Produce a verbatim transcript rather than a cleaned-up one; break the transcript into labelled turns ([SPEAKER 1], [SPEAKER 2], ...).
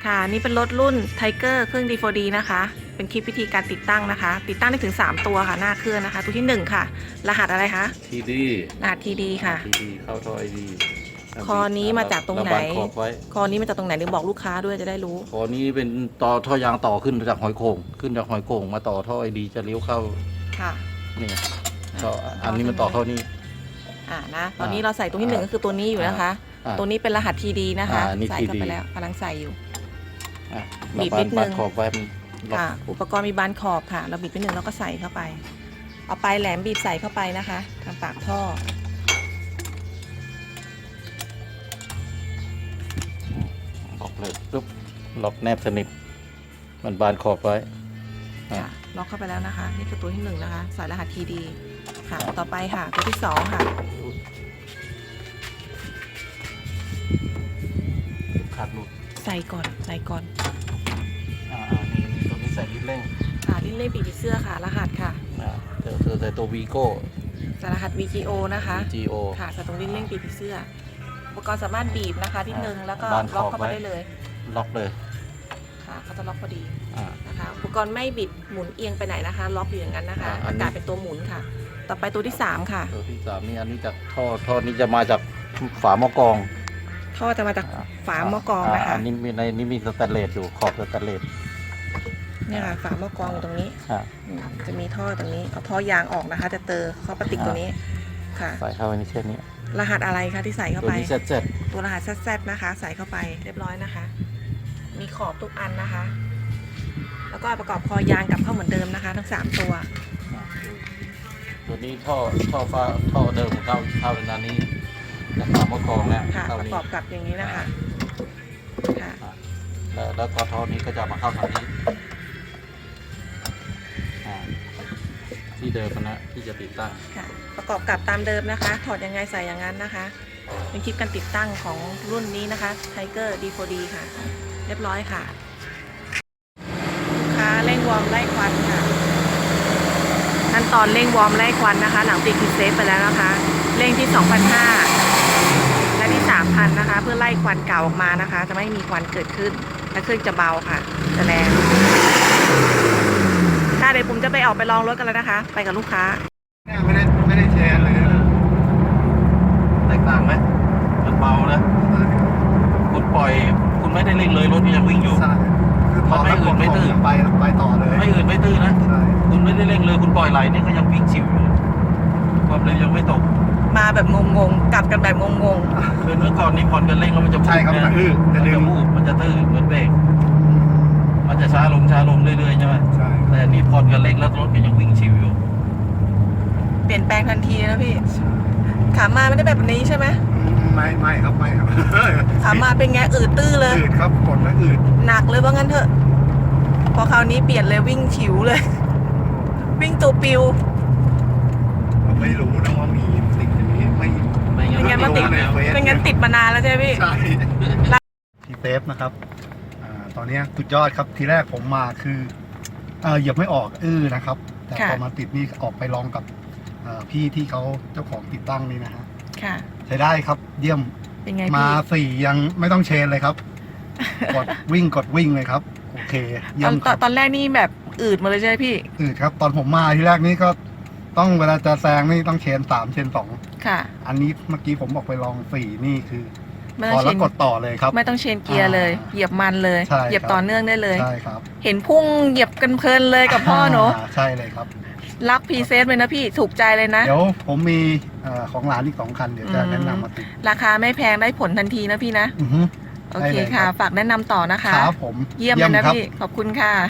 [SPEAKER 1] ค่ะนี่เป็นรถรุ่น Tiger เครื่อง ดี โฟร์ ดี นะคะเป็นคลิปวิธีการติดตั้งนะคะติดตั้งได้ถึงสามตัวค่ะหน้าเครื่องนะคะตัวที่หนึ่งค่ะรหัสอะไรคะ
[SPEAKER 2] ที ดี
[SPEAKER 1] รหัส ที ดี ค่ะ
[SPEAKER 2] ที ดี เข้าท่อ ไอ ดี
[SPEAKER 1] คอนี้มาจากตรงไหน
[SPEAKER 2] ระบายขอบไว้
[SPEAKER 1] คอนี้มาจากตรงไหนเดี๋ยวบอกลูกค้าด้วยจะได้รู้
[SPEAKER 2] คอนี้เป็นต่อท่อยางต่อขึ้นจากหอยโข่งขึ้นจากหอยโข่งมาต่อท่อ ไอ ดี จะเลี้ยวเข้า
[SPEAKER 1] ค่ะ
[SPEAKER 2] นี่ก็อันนี้มันต่อเข้านี่
[SPEAKER 1] อ่านะตอนนี้เราใส่ตัวที่หนึ่งก็คือตัวนี้อยู่นะคะ
[SPEAKER 2] อ่า
[SPEAKER 1] ตัวนี้เป็นรหัส ที ดี นะคะ
[SPEAKER 2] อ่านี่
[SPEAKER 1] ใส่เข้า
[SPEAKER 2] ที
[SPEAKER 1] ไป
[SPEAKER 2] ดี
[SPEAKER 1] แล้วกำลังใส่อยู่
[SPEAKER 2] อ่ะ
[SPEAKER 1] บีบ
[SPEAKER 2] ระ
[SPEAKER 1] นิดนึง
[SPEAKER 2] บายขอบไว้มันล็อก
[SPEAKER 1] ค่ะอุปกรณ์มีบานขอบค่ะ เราบีบไปหนึ่งแล้วก็ใส่เข้าไป เอาปลายแหลมบีบใส่เข้าไปนะคะทางปากท่อ
[SPEAKER 2] ล็อกเลยปุ๊บล็อกแนบสนิทมันบานขอบไว้
[SPEAKER 1] ค่ะล็อกเข้าไปแล้วนะคะนี่คือตัวที่หนึ่งนะคะใส่รหัส ที ดี ค่ะต่อไปค่ะตัวที่สองค่ะ
[SPEAKER 2] ขาดหลุด
[SPEAKER 1] ใส่ก่อนใส่ก่อน
[SPEAKER 2] อ่าอ่านี่นี่ตัวนี้ใส่ลิ้นเร่ง
[SPEAKER 1] ค่ะลิ้นเล่ปีกผีเสื้อค่ะรหัสค่ะ
[SPEAKER 2] อ่าเธอเธอใส่ตัววีโก้
[SPEAKER 1] ใส่รหัส วี จี โอ นะคะ
[SPEAKER 2] จี โอ
[SPEAKER 1] ค่ะใส่ตรงลิ้นเล่ปีกผีเสื้ออุปกรณ์สามารถบีบนะคะที่หนึ่งแล้วก็
[SPEAKER 2] บานข
[SPEAKER 1] ล็
[SPEAKER 2] อ
[SPEAKER 1] อบ กเข้า
[SPEAKER 2] ไว้
[SPEAKER 1] มาได้เลย
[SPEAKER 2] ล็อกเลย
[SPEAKER 1] ค่ะเขาจะล็อกพอดี
[SPEAKER 2] อ่า
[SPEAKER 1] นะคะอุปกรณ์ไม่บิดหมุนเอียงไปไหนนะคะ ล็อกอยู่อย่างนั้นนะคะ
[SPEAKER 2] อ่าอันนี้
[SPEAKER 1] อากาศเป็นตัวหมุนค่ะ ต่อไปตัวที่สามค่ะ
[SPEAKER 2] ตัวที่สามนี่อันนี้จากท่อท่อนี้จะมาจากฝาหม้อกรอง
[SPEAKER 1] ท่อจะมาจากฝาหม้อกรองนะคะ
[SPEAKER 2] อันนี้มีในนี้มีสแตนเลสอยู่ขอบสแตนเลส
[SPEAKER 1] เนี่ยค่ะฝาหม้อกรองอยู่ตรงนี้
[SPEAKER 2] อ่า
[SPEAKER 1] อืมจะมีท่อตรงนี้เอาท่อยางออกนะคะ จะเตอเข้าปติกตัวนี้ค่ะ
[SPEAKER 2] ใส่เข้าไปในเช่นนี้
[SPEAKER 1] รหัสอะไรคะที่ใส่เข้า
[SPEAKER 2] ตัว
[SPEAKER 1] ไป
[SPEAKER 2] นี้เซ็ตเซ็ต
[SPEAKER 1] ตัวรหัสแซดนะคะ ใส่เข้าไปเรียบร้อยนะคะ มีขอบทุกอันนะคะ แล้วก็ประกอบคอยางกลับเข้าเหมือนเดิมนะคะ ทั้งสามตัว
[SPEAKER 2] ตัวนี้ท่อท่อฟ้าท่อเดิมเข้าเข้าในนั้นนี้จากฝาหม้อกรองแล้ว
[SPEAKER 1] ค่ะ
[SPEAKER 2] เข้า
[SPEAKER 1] ประ
[SPEAKER 2] นี้
[SPEAKER 1] กอบกับอย่างนี้นะคะค่ะ
[SPEAKER 2] แล้วแล้วก็ท่อนี้ก็จะมาเข้าทางนี้อ่าที่เดิมนะที่จะติดตั้ง
[SPEAKER 1] ค่ะ ประกอบกับตามเดิมนะคะ ถอดยังไงใส่อย่างนั้นนะคะ เป็นคลิปการติดตั้งของรุ่นนี้นะคะ Tiger ดี โฟร์ ดี ค่ะ เรียบร้อยค่ะลูกค้าเร่งวอร์มไล่ควันค่ะขั้นตอนเร่งวอร์มไล่ควันนะคะ หลังติดคีย์เซฟไปแล้วนะคะเร่งที่ สองพันห้าร้อย และที่ สามพัน นะคะ เพื่อไล่ควันเก่าออกมานะคะ จะไม่มีควันเกิดขึ้นและเครื่องจะเบาค่ะจะแรงค่ะเดี๋ยวผมจะไปออกไปลองรถกันแล้วนะคะ ไปกับลูกค้า
[SPEAKER 3] ไม่ได้ไม่ได้แชร์เลยนะ
[SPEAKER 2] แตกต่างไหมมันเบานะคุณปล่อยคุณไม่ได้เร่งเลยรถยังวิ่งอยู่
[SPEAKER 3] ใช่คือพอ
[SPEAKER 2] มันไม่อื่นไม่ตื้อ
[SPEAKER 3] ไปไปต่อเลย
[SPEAKER 2] ไม่อื่นไม่ตื้อนะ
[SPEAKER 3] ใช่
[SPEAKER 2] คุณไม่ได้เร่งเลยคุณปล่อยไหลนี่ก็ยังวิ่งชิวอยู่ความเร็วยังไม่ตก
[SPEAKER 1] มาแบบงงๆกลับกันแบบงง
[SPEAKER 2] คือเมื่อก่อนนี้ผ่อนกันเร่งแล้วมันจะ
[SPEAKER 3] ใช่ครับมันอื้อ
[SPEAKER 2] มั
[SPEAKER 3] จะ
[SPEAKER 2] น
[SPEAKER 3] ดึ
[SPEAKER 2] จะ
[SPEAKER 3] ง
[SPEAKER 2] มูบมันจะตื้อเหมือนเบรกมันจะช้าลงช้าลงเรื่อยๆใช่ไหม
[SPEAKER 3] ใช่
[SPEAKER 2] แต่อันนี่ผ่อนกันเร่งแล้วรถก็ยังวิ่งชิวอยู่
[SPEAKER 1] ๆ เปลี่ยนแปลงทันทีนะพี่ ขามาไม่ได้แบบนี้ใช่ไหม
[SPEAKER 3] ไม่ไม่ครับไม่ครับ
[SPEAKER 1] ขามาเป็นไงอืดตื้อเลย
[SPEAKER 3] อืดครับกดแล้วอืด
[SPEAKER 1] หนักเลยว่างั้นเถอะ พอคราวนี้เปลี่ยนเลยวิ่งฉิวเลย วิ่งตัวปิว
[SPEAKER 3] เราไม่รู้นะว่ามีสิ่งนี้ไม่
[SPEAKER 2] ไม่งั้น
[SPEAKER 1] ไม่งั้นมันติด
[SPEAKER 2] ไม่รู้แล้ว
[SPEAKER 1] เป็นงั้นติดมานานแล้วใช่ไหมพี่
[SPEAKER 3] ใช่ทีเซฟนะครับอ่าตอนนี้สุดยอดครับทีแรกผมมาคือเออเหยียบไม่ออกอื้อนะครับ แต่
[SPEAKER 1] ค่ะ
[SPEAKER 3] พอมาติดนี่ออกไปลองกับเอ่อพี่ที่เขาเจ้าของติดตั้งนี่นะฮะ
[SPEAKER 1] ค่ะ
[SPEAKER 3] ใช้ได้ครับเยี่ยม
[SPEAKER 1] เป็นไง
[SPEAKER 3] มา
[SPEAKER 1] พี่
[SPEAKER 3] สี่ยังไม่ต้องเชนเลยครับ กดวิ่งกดวิ่งเลยครับ โอเค
[SPEAKER 1] ต
[SPEAKER 3] เยี่
[SPEAKER 1] อย น
[SPEAKER 3] ม
[SPEAKER 1] ต
[SPEAKER 3] ค
[SPEAKER 1] อ
[SPEAKER 3] รั
[SPEAKER 1] น
[SPEAKER 3] บ
[SPEAKER 1] ตอนแรกนี่แบบอืดมาเลยใช่ไหมพี่
[SPEAKER 3] อืดครับ ตอนผมมาที่แรกนี่ก็ต้องเวลาจะแซงนี่ต้องเชนสามเชนสอง
[SPEAKER 1] ค่ะ
[SPEAKER 3] อันนี้เมื่อกี้ผมบอกไปลองสี่นี่คือ
[SPEAKER 1] ไม่
[SPEAKER 3] พ
[SPEAKER 1] ต้
[SPEAKER 3] อ
[SPEAKER 1] องเช
[SPEAKER 3] แล้ว
[SPEAKER 1] น
[SPEAKER 3] กดต่อเลยครับ
[SPEAKER 1] ไม่ต้องเชนเกียร์เลย
[SPEAKER 3] อ่า
[SPEAKER 1] เหยียบมันเลย
[SPEAKER 3] ใช่
[SPEAKER 1] เหยียบ
[SPEAKER 3] ครับ
[SPEAKER 1] ต่อเนื่องได้เลย
[SPEAKER 3] ใช่ครับ
[SPEAKER 1] เห็นพุ่งเหยียบกันเพลินเลยกับพ่อหนู
[SPEAKER 3] าใช่เลยครับ
[SPEAKER 1] รักพรีเซฟเลยนะพี่ ถูกใจเลยนะ
[SPEAKER 3] เดี๋ยวผมมีเอ่อของหลานอีกสองคันเดี๋ยวจะ
[SPEAKER 1] อืม
[SPEAKER 3] แนะนำมาติด
[SPEAKER 1] ราคาไม่แพงได้ผลทันทีนะพี่นะ
[SPEAKER 3] อือฮึ
[SPEAKER 1] โอ
[SPEAKER 3] ได้
[SPEAKER 1] เค
[SPEAKER 3] เลย
[SPEAKER 1] ค่ะ
[SPEAKER 3] รับ
[SPEAKER 1] ฝากแนะนำต่อนะคะ
[SPEAKER 3] ครับผม
[SPEAKER 1] เยี่ยมเลยนะ
[SPEAKER 3] ครับ
[SPEAKER 1] พี่ ขอบคุณค่ะ